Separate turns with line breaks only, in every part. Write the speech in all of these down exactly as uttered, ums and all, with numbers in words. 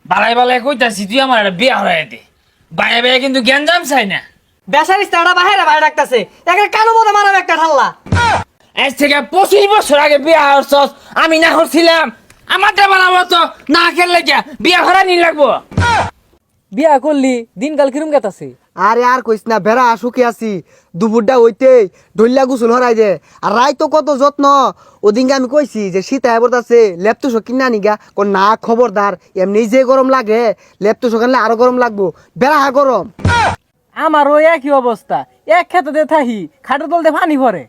বালাই বালাই কইতাছি তুই আমার একটা বিয়া হরাই দে। বাইরে বাইরে কিন্তু জ্ঞানজাম চাই না।
বেচারি স্টারটা বাহিরে বাইরে ডাকতেছে, একে কানো মতো মারাবে একটা ঠাল্লা।
আজ থেকে পঁচিশ বছর আগে বিয়া হরছস, আমি না হরছিলাম। আমারটা বানাবো তো না খেললে গিয়া বিয়া হরানি লাগবো।
বিয়া করলি দিনকাল কিরম গেতাছে?
আরে আর কইস না, বেড়া শুকে আছি। দুপুরটা হইতেই ঢইলা গুসল হরাই দে। আর রাই তো কত যত্ন। ওদিনকে আমি কইছি যে শীত আয় বলতাছে ল্যাপটপ কিনা নিগা, কো না খবরদার, এমনি যে গরম লাগে ল্যাপটপ কিনলে আরো গরম লাগবো, বেড়া হা গরম।
আমারও একই অবস্থা, এক খেতে দে থাহি খাটের তলতে পানি ভরে।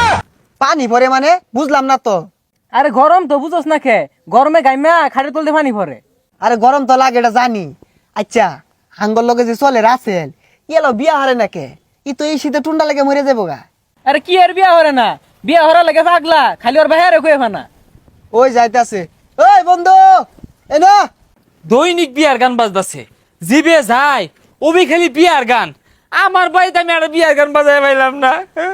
পানি ভরে মানে বুঝলাম না তো।
আরে গরম তো বুঝোস না খে, গরমে গাইমা খাটের তলতে পানি ভরে।
আরে গরম তো লাগে এটা জানি। আচ্ছা, হাঙ্গর লগে যে চলে রাসেল, ইয়েলো বিয়া হারে নাকে, ই তো এই শীতে টুন্ডা লেগে মরে যাবো গা।
আরে কি আর বিয়া হরে না, বিয়া হরা লাগে পাগলা, খালি ওর বাইরে কয়ে ফানা।
ওই যাইতাছে, ওই বন্ধু এ না।
দৈনিক বিয়ার গান বাজতাছে, জিবে যায় ওবি খালি বিয়ার গান। আমার বাড়িতে আমি আর বিয়ার গান বাজাই পাইলাম না।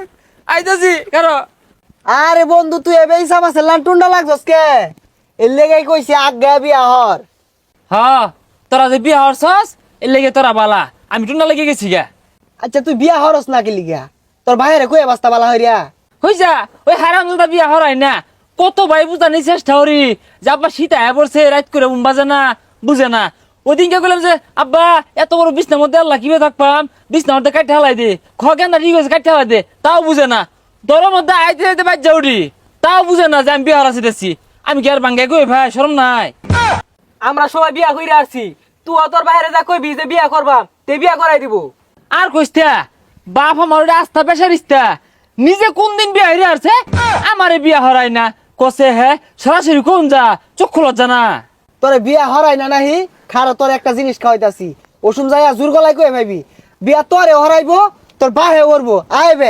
আইতাছি কারো।
আরে বন্ধু তুই এবে ইসাম আছে লান টুন্ডা লাগছস কে? এর লেগেই কইছি আজ্ঞা বিয়া হর।
হ, তোরা যে বিয়া হরছস এর লেগে তোরা বালা, আমি টুন্ডা লেগে গেছি গা।
আচ্ছা তুই বিয়া হরস না কি লিগা? তোর ভাইরে কই বাস্তা বালা হইরা?
হইছা ওই হারামজাদা বিয়া হরাই না। কত ভাই বুঝানি চেষ্টা করি যে আব্বা শীত আয়া পড়ছে, রাত করে ঘুম বাজে না, বুঝে না। ওদিনকে বললাম যে আব্বা এত বড় বিছনার মধ্যে আল্লাহ কিভাবে থাকবাম, বিছনার মধ্যে কাটতে হালাই দে, খগেন্দা ঠিক আছে কাটতে হালাই দে, তাও বুঝে না। দরের মধ্যে আইতে আইতে বাজ যাউরি, তাও বুঝে না যে আমি বিয়া হারাছি দেখছি। আমি কি আর বাঙ্গাই কই ভাই, শরম নাই?
আমরা সবাই বিয়া কইরা আসছি, তুই তোর বাইরে যা কইবি যে বিয়া করবাম, তে বিয়া করাই দিব।
আর কইস্তা বাপ আমার ওটা আস্থা পেশারিস্তা, নিজে কোন দিন বিয়া হইরে আসছে, আমারে বিয়া হরাই না কসে। হে সরাসরি কোন যা চক্ষু লজ্জা না।
তোরে বিয়া হরাই না নাহি, খারো তোর একটা জিনিস খাওয়াইতাছি। ওসুম যাইয়া জোর গলায় কই ভাইবি বিয়া তোরে হরাইবো, তোর বাহে করবো আইবে।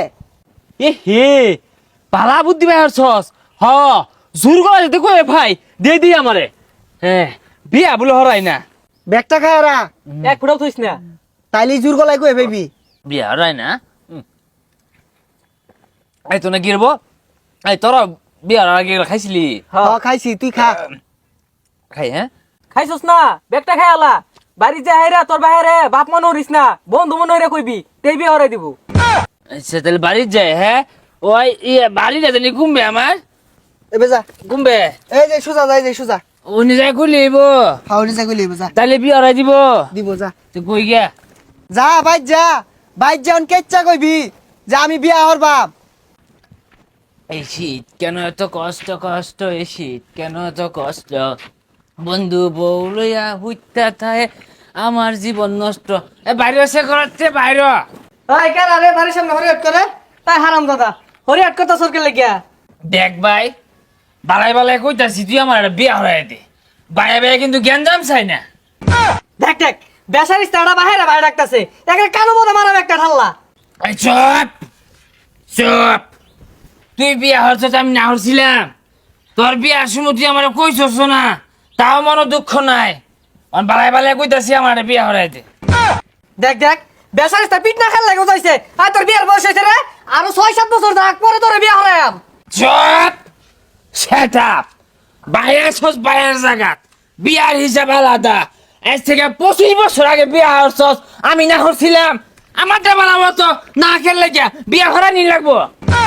এ হে পালা বুদ্ধি ভাই হরছস। হ জোর গলা যেতে কই ভাই দে দি আমারে। হ্যাঁ বিয়া বলে হরাই না।
ব্যাগটা খায় রা,
এক ফুটাও থইস না।
তাইলে জোর গলায় কই ভাইবি।
বিয়া হরাই না। এই তো না গিরব। এই তোরা বিয়ার আগে খাইছিলি?
হ খাইছি, তুই খা।
খাই হ্যাঁ।
খাইছস না, বেগটা খাই আলা। বাড়ি যা হাইরা তোর বাইরে বাপ মনে হরিস না, বন্ধু মনে হইরা কইবি, তে বিয়া হরাই দিব।
আচ্ছা তাহলে বাড়ি যায়। হ্যাঁ ওই ইয়ে বাড়িটা জানি ঘুমবে আমার,
এবে যা,
ঘুমবে
এই যে সুজা যাই যে সুজা।
উনি যাই খুলিব,
হাওড়ি যা কইলি যা,
তাহলে বিয়া হরাই দিব।
দিব যা।
তুই কই গিয়া
যা বাইর যা, বাইর যান কেচ্চা কইবি যে আমি বিয়া হরবাম।
এই শীত কেন এত কষ্ট কষ্ট, এই শীত কেন এত কষ্ট, বন্ধু বউ লইয়া হুইতা থাহে আমার জীবন নষ্ট। এ বাইরে সে করাচ্ছে বাইরে।
এই কেন আরে বাড়ির সামনে হরিয়াট করে, তাই হারাম দাদা হরিয়াট কথা সরকে লেগিয়া।
দেখ ভাই বালাই বালাই কইতাছি তুই আমার একটা বিয়া হরাই দে। বাইরে বাইরে কিন্তু জ্ঞানজাম চাই না।
দেখ দেখ বেচারি স্টারটা বাহিরে বাইরে ডাকতেছে, একে কানো মতো মারাবে একটা ঠাল্লা।
এই চুপ চুপ, তুই বিয়া হরছস আমি না হরছিলাম। তোর বিয়ার সময় তুই আমার কইছস না, তাও মনে দুঃখ নাই। অন বালাই বালাই কইতাছি আমার একটা বিয়া হরাই দে।
দেখ দেখ বেচারি স্টার পিট না খেলে যাইছে, আর তোর বিয়ার বয়স হয়েছে রে, আরো ছয় সাত বছর থাক পরে তোর বিয়া হরাইম।
চুপ সেট আপ, বাইরে ছস বাইরের জায়গাত, বিয়ার হিসাব আলাদা। আজ থেকে পঁচিশ বছর আগে বিয়া হরছস, আমি না হরছিলাম। আমারটা বানাবো তো না খেললে গিয়া বিয়া হরানি লাগবো।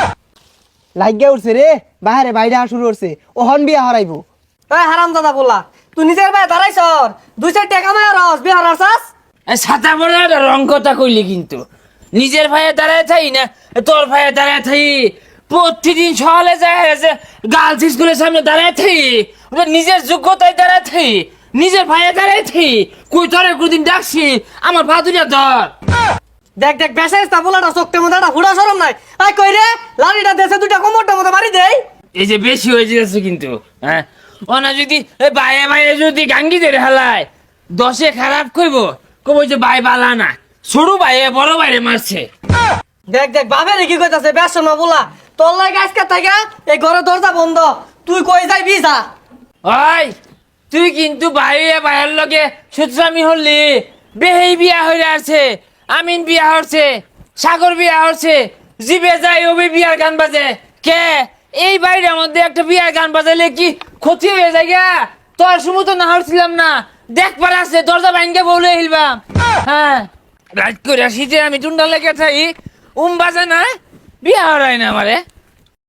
লাগিয়া উঠছে রে, বাহারে বাইরে শুরু করছে, ও হন বিয়া হরাইবো।
এই হারাম দাদা বললা, তুই নিজের ভাই দাঁড়াইছ, দুই চার টাকা মায় রস বিয়া হরাছাস।
এই ছাতা পরে একটা রং কথা কইলি কিন্তু, নিজের ভাইয়ে দাঁড়ায় থাই না তোর ভাইয়ে দাঁড়ায় থাই। প্রতিদিন সকালে যায় যে গার্লস স্কুলের সামনে দাঁড়ায় থাই, ওটা নিজের যোগ্যতায় দাঁড়ায় থাই, নিজের ভাইয়ে দাঁড়ায় থাই। কই তোরে কোনদিন ডাকছি আমার ভাদুরিয়া ধর।
দেখ দেখ বেচারি স্টার বলাটা চোখতে মতো একটা হুড়া সরম নাই। আই কই রে লাড়িটা দেশে দুইটা কোমরটার মতো মারি দেই।
এই যে বেশি হয়ে যাচ্ছে কিন্তু, হ্যাঁ ওনা যদি এই বাইরে বাইরে যদি গাঙ্গি ধরে হালায় দশে খারাপ কইব, কব যে ভাই বালা না, ছোট ভাইয়ে বড় বাইরে মারছে।
দেখ দেখ বাপের কি কইতাছে বেশ না বলা, তোর লাগে আজকে থাকা এই ঘরের দরজা বন্ধ, তুই কই যাইবি যা।
ওই তুই কিন্তু বাইরে বাইরের লগে সুতরামি হলি। বেহেই বিয়া হয়ে আছে, আমিন বিয়া হচ্ছে, সাগর বিয়া হচ্ছে, জিবে যাই ওবে বিয়ার গান বাজে। কে এই বাইরের মধ্যে একটা বিয়ার গান বাজাইলে কি ক্ষতি হয়ে যায় গা? তোর সময় তো না হচ্ছিলাম না, দেখ পারে আছে দরজা ভাঙ্গে বলে হিলবাম হ্যাঁ রাত করে শীতে আমি টুন্ডা লেগে থাই উম বাজে না বিয়া হরাই না আমারে